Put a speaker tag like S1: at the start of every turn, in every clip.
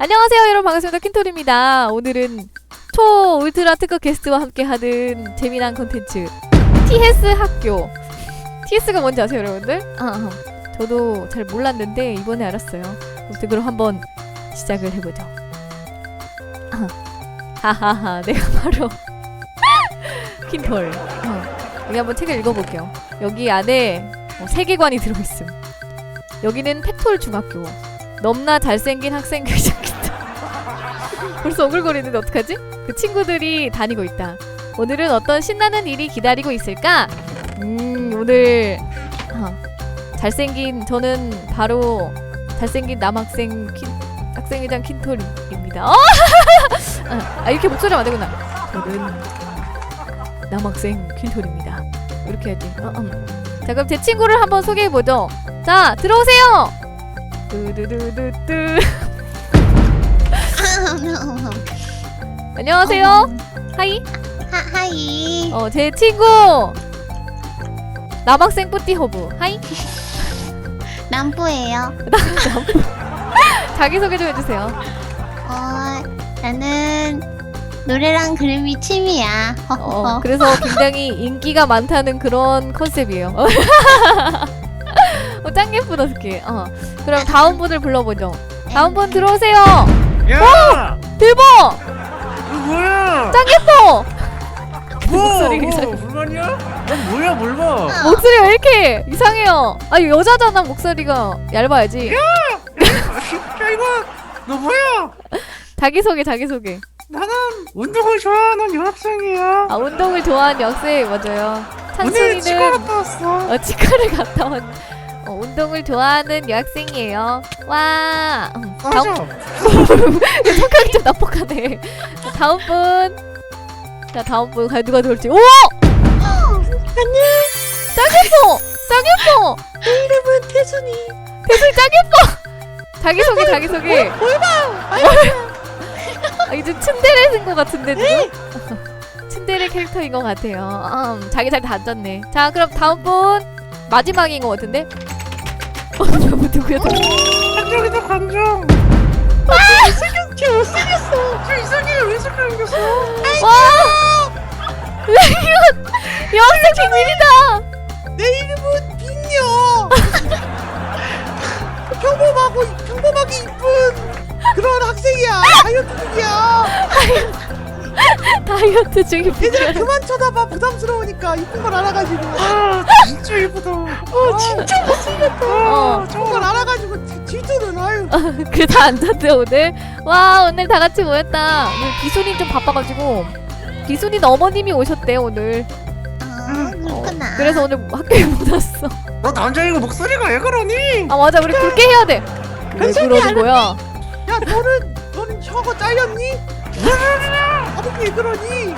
S1: 안녕하세요 여러분, 반갑습니다. 킨토리입니다. 오늘은 초 울트라 특급 게스트와 함께하는 재미난 콘텐츠 TS 학교. TS가 뭔지 아세요 여러분들? 저도 잘 몰랐는데 이번에 알았어요. 아무튼 그럼 한번 시작을 해보죠. 하하하, 내가 바로 킨톨. 여기 한번 책을 읽어볼게요. 여기 안에 세계관이 들어있음. 여기는 팩톨 중학교. 넘나 잘생긴 학생 교장이다. 벌써 오글거리는데 어떡하지? 그 친구들이 다니고 있다. 오늘은 어떤 신나는 일이 기다리고 있을까? 오늘 잘생긴, 저는 바로 잘생긴 남학생 학생회장 킨톨입니다. 이렇게 목소리가 안 되구나. 저는 남학생 킨톨입니다. 이렇게 해야지. 자, 그럼 제 친구를 한번 소개해보죠. 자, 들어오세요. 뚜두두두뚜. 안녕하세요. 하이.
S2: 하이.
S1: 제 친구 남학생 뿌띠허브. 하이.
S2: 남부예요.
S1: 자기소개 좀 해주세요.
S2: 나는 노래랑 그림이 취미야.
S1: 그래서 굉장히 인기가 많다는 그런 컨셉이에요. 짱 예쁘다 스키. 그럼 다음 분을 불러보죠. 다음 분 들어오세요.
S3: 야!
S1: 들보!
S3: 이거 뭐야?
S1: 짱 예뻐!
S3: 목소리가
S1: 이상해.
S3: 불만이야? 넌 뭐야 뭘 봐?
S1: 목소리가 왜 이렇게 이상해요? 아니 여자잖아. 목소리가 얇아야지.
S3: 야 이거 너 뭐야?
S1: 자기소개.
S3: 나는 운동을 좋아하는 여학생이야.
S1: 운동을 좋아하는 여학생. 맞아요.
S3: 오늘 치과
S1: 찬순이는
S3: 갔다 왔어.
S1: 치과를 갔다 온 운동을 좋아하는 여학생이에요. 와.
S3: 맞아.
S1: 성격이 좀 나쁘네. 다음 분. 자, 다음 분 과연 누가 들어올지. 오!
S2: 안녕.
S1: 짱 예뻐.
S2: 내 이름은 태순이.
S1: 대순이 짱 예뻐. 자기소개. 이제 츤데레 된것 같은데 지금? 츤데레 캐릭터인 것 같아요. 자기 잘 다졌네. 자, 그럼 다음 분 마지막인 것 같은데? 누구야?
S3: 관종이다 관종.
S2: 쟤 못생겼어.
S3: 저 이상해 왜 생겼어?
S1: 와! 이건 여학생 비밀이다.
S4: 내 이름은 빅녀. 평범하게 이쁜 그런 학생이야. 다이어트 중이야.
S1: 다이어트 중인
S4: 얘들아
S1: 비밀.
S4: 그만 쳐다봐. 부담스러우니까 이쁜 걸 알아가지고.
S3: 아 진짜 예쁘다.
S4: 진짜 못생겼다. 이쁜 걸 알아가지고 질투는 아유.
S1: 그 다 앉았대 오늘. 와, 오늘 다 같이 모였다. 오늘 비순이 좀 바빠가지고 비순이 어머님이 오셨대 오늘.
S2: 그렇구나.
S1: 그래서 오늘 학교에 못 왔어.
S3: 너 남자이고 목소리가 왜 그러니?
S1: 맞아, 우리 굵게 해야 돼. 왜 그러는 거야?
S4: 야 너는 혀가 잘렸니? 어떻게 그러니?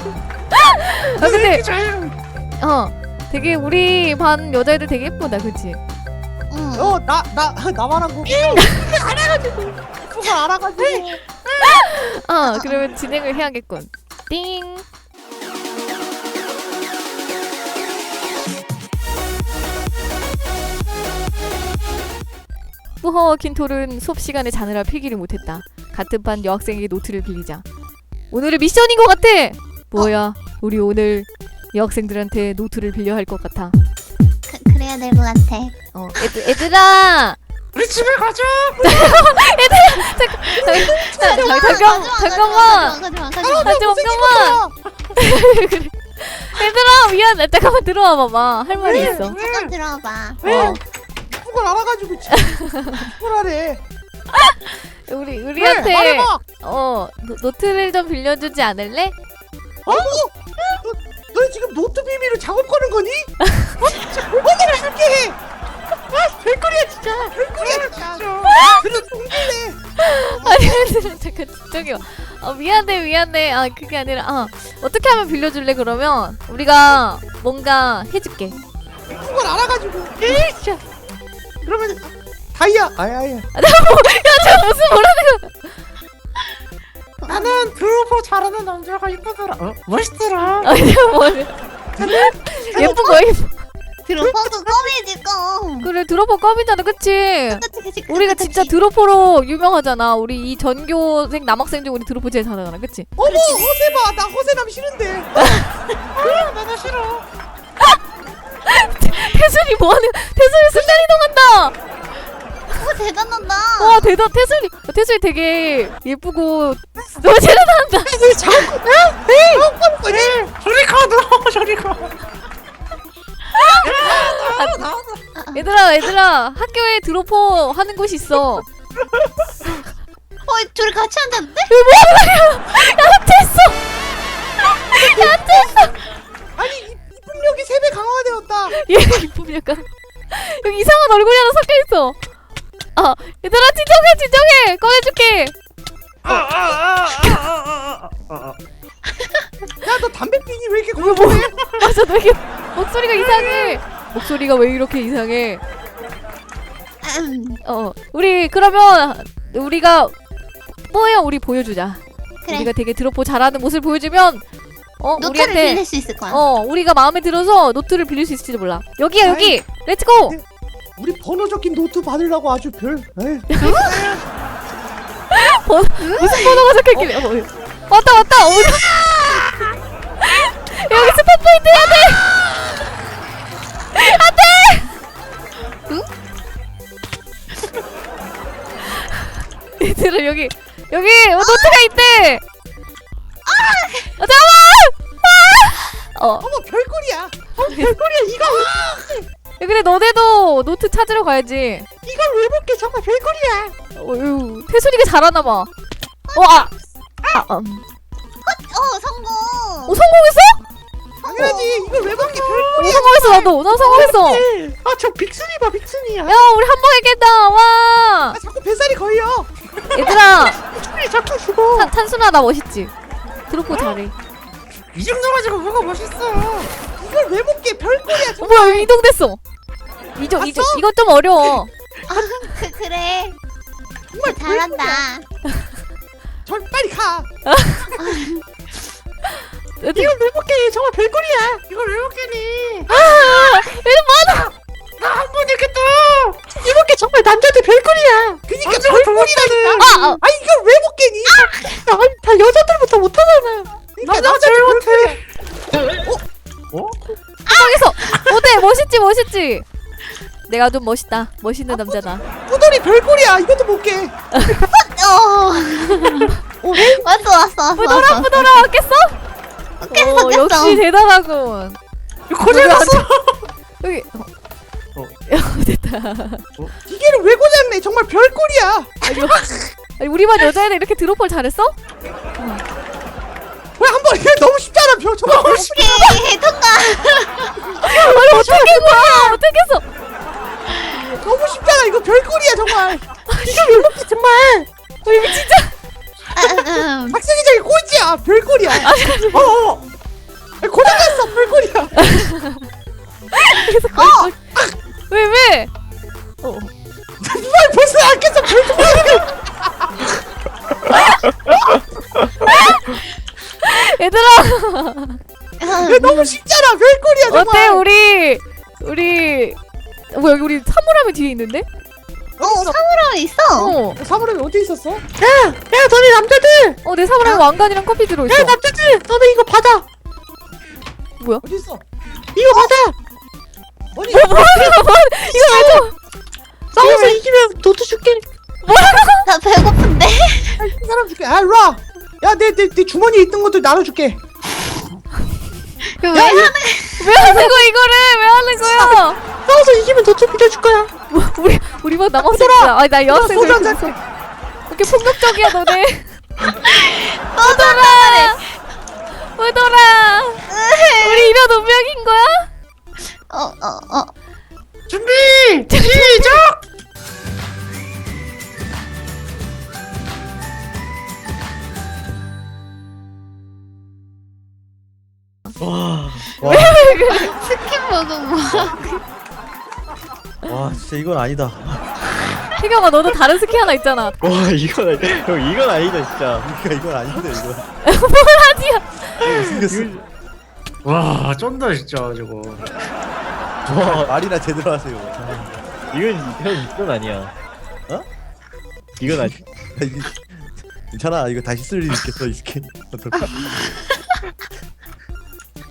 S1: 근데
S3: 잘.
S1: 되게 우리 반 여자애들 되게 예쁘다, 그치?
S2: 응.
S4: 나만 한 거. 알아가지고 이쁜 걸 알아가지고.
S1: 그러면 진행을 해야겠군. 띵. 뿌허 킨톨은 수업 시간에 자느라 필기를 못했다. 같은 반 여학생에게 노트를 빌리자. 오늘은 미션인 것 같아. 뭐야? 우리 오늘 여학생들한테 노트를 빌려 할 것 같아.
S2: 그래야 될 것 같아.
S1: 얘들아.
S3: 우리 집에 가자.
S1: 잠깐만. 얘들아 미안해. 잠깐만 들어와 봐봐. 할 말이 있어.
S2: 잠깐 들어봐.
S4: 이쁜 걸 알아가지고 이쁜 하래.
S1: 우리한테
S4: 말해봐.
S1: 노트를 좀 빌려주지 않을래?
S4: 너 지금 노트 비밀로 작업 거는 거니? 오늘 줄게 해. 별거리야 진짜. 그래도 동질래.
S1: 아니 얘들아 잠깐 집중해요. 미안해. 그게 아니라 어떻게 하면 빌려줄래? 그러면 우리가 뭔가 해줄게.
S4: 이쁜 걸 알아가지고. 진짜. 그러면 다이아. 아야.
S1: 저 무슨 뭐라는
S3: 나는 드로퍼 잘하는 남자가 이쁘더라. 멋있더라.
S1: 거? 아니 뭐 예쁜 거 예쁜.
S2: 드로퍼도 껌이지 껌.
S1: 그래 드로퍼 껌이잖아 그치?
S2: 그치.
S1: 우리가 진짜 드로퍼로 유명하잖아. 우리 이 전교생 남학생 중 우리 드로퍼 제일 잘하잖아 그치?
S4: 어머 허세 봐. 나 허세남 싫은데.
S3: 나도 싫어.
S1: 태순이 뭐하는? 태순이 순간 이동한다.
S2: 오 대단하다.
S1: 와 대단. 태순이 되게 예쁘고 너무 잘한다.
S4: 작업하는 거지?
S3: 저리 가, 너. 저리 가.
S1: 얘들아 학교에 드로퍼 하는 곳이 있어.
S2: 둘이 같이 앉았는데?
S1: 야채했어.
S4: 아니 이 풍력이 3배 강화되었다.
S1: 얘 이쁨 약간 여기 이상한 얼굴이 하나 섞여 있어. 아 얘들아 진정해 꺼내줄게.
S4: 야 너 담배 피니 왜 이렇게 고요해?
S1: 맞아 너 이게 목소리가 이상해. 목소리가 왜 이렇게 이상해? 우리 그러면 우리가 뭐야 우리 보여주자.
S2: 그래.
S1: 우리가 되게 드로퍼 잘하는 모습을 보여주면
S2: 노트를
S1: 우리한테
S2: 빌릴 수 있을 거야.
S1: 우리가 마음에 들어서 노트를 빌릴 수 있을지도 몰라. 여기야 여기. 렛츠고.
S4: 우리 번호 적힌 노트 받으려고 아주 별. 에이.
S1: 무슨 번호가 적혀있길래 왔다 여기 스폰 포인트 해야 돼. 안돼. 얘들아 여기 노트가 있대. 잠깐만.
S4: 어머 별꼴이야. 별꼴이야 이거.
S1: 야, 근데 너네도 노트 찾으러 가야지.
S4: 이걸 왜 볼게 정말 별꼴이야.
S1: 태순이가 잘하나봐.
S2: 성공.
S1: 성공했어?
S4: 당연하지. 이걸 왜 볼게 별꼴이야.
S1: 성공했어 나도. 나 성공했어.
S4: 아저 빅순이 봐 빅순이야.
S1: 야 우리 한 번 했겠다. 와.
S4: 아 자꾸 뱃살이 걸려.
S1: 얘들아
S4: 빅순이 자꾸 죽어.
S1: 탄순아 나 멋있지? 드로퍼 잘해.
S3: 이 정도 가지고 뭐가 멋있어.
S4: 이걸 왜 볼게 별꼴이야.
S1: 뭐야 여기 이동됐어. 이동 이건 좀 어려워.
S2: 그래.
S4: 정말
S2: 잘한다.
S4: 절 빨리 가.
S1: 이거
S4: 이걸 왜 볼게 정말 별꼴이야.
S3: 이걸 왜 먹겠니?
S1: 많아.
S3: 나 한 번 했겠다.
S4: 이볼 게 정말 남자들 별꼴이야. 그니까 별꼴이라니까.
S1: 아.
S4: 이걸 왜 볼게니? 다 여자들부터 못하잖아. 그러니까
S3: 나 제일 못해.
S1: 성공했어. 어때? 멋있지? 내가 좀 멋있는 남자다.
S4: 뿌돌이 별꼴이야. 이것도 볼게.
S2: 왔어.
S1: 뿌돌아 깼어?
S2: 깼어.
S1: 역시 대단하군.
S3: 고장났어.
S1: 여기 됐다.
S4: 기계를 왜 고장내? 정말 별꼴이야.
S1: 아니, 우리 반 여자애들 이렇게 드로퍼를 잘했어?
S4: 왜 한 번 이게 너무 쉽잖아. 정말 너무 쉽.
S2: 오케이 통과.
S1: 아니 어떻게 거야? 어떻게 했어?
S4: 너무 쉽잖아. 이거 별꼴이야 정말. 이거 왜 먹지 정말.
S1: 이거 진짜
S4: 학생이 저기 꼴찌야. 별꼴이야. 고장났어. 별꼴이야.
S1: 왜?
S4: 누가 벌써 안 깼어. 별꼴이야.
S1: 얘들아
S4: 왜 너무 쉽잖아. 별꼴이야 정말.
S1: 어때 우리 뭐야 여기 우리 사물함이 뒤에 있는데?
S2: 사물함 있어.
S4: 사물함이 어디 있었어? 야 너네 남자들.
S1: 내 사물함에 왕관이랑 커피 들어있어.
S4: 남자들 너네 이거 받아.
S1: 뭐야?
S4: 어디 있어? 이거 받아. 어디?
S1: 이거 왜 줘?
S4: 싸워서 이기면 노트 줄게.
S2: 나 배고픈데.
S4: 이 사람 줄게. 아 일로 와. 야내 주머니에 있던 것들 나눠줄게.
S2: 왜
S1: 왜 하는 거야 이거를? 왜 하는 거야?
S4: 싸워서 이기면 노트 빌려줄 거야.
S1: 우리 반 남학생이야. 아니 나 여학생
S4: 소주
S1: 왜
S4: 한
S1: 이렇게
S4: 잔.
S1: 이렇게 폭력적이야 너네. 으돌아 우리 이런 운명인 거야?
S3: 준비 시작.
S2: 스킨 먹은 뭐?
S5: 와 진짜 이건 아니다.
S1: 태경아 너도 다른 스키 하나 있잖아.
S5: 와 이건 형 이건 아니다 진짜. 이건 아닌데 이거.
S1: 뭘 하지야?
S5: 이거 생겼어.
S3: 와 쩐다 진짜 저거.
S5: 와
S4: 말이나 제대로 하세요.
S5: 이건 아니야.
S4: 어?
S5: 이건 아니.
S4: 괜찮아 이거 다시 쓸 일 있겠어 이 스킨. 어떨까?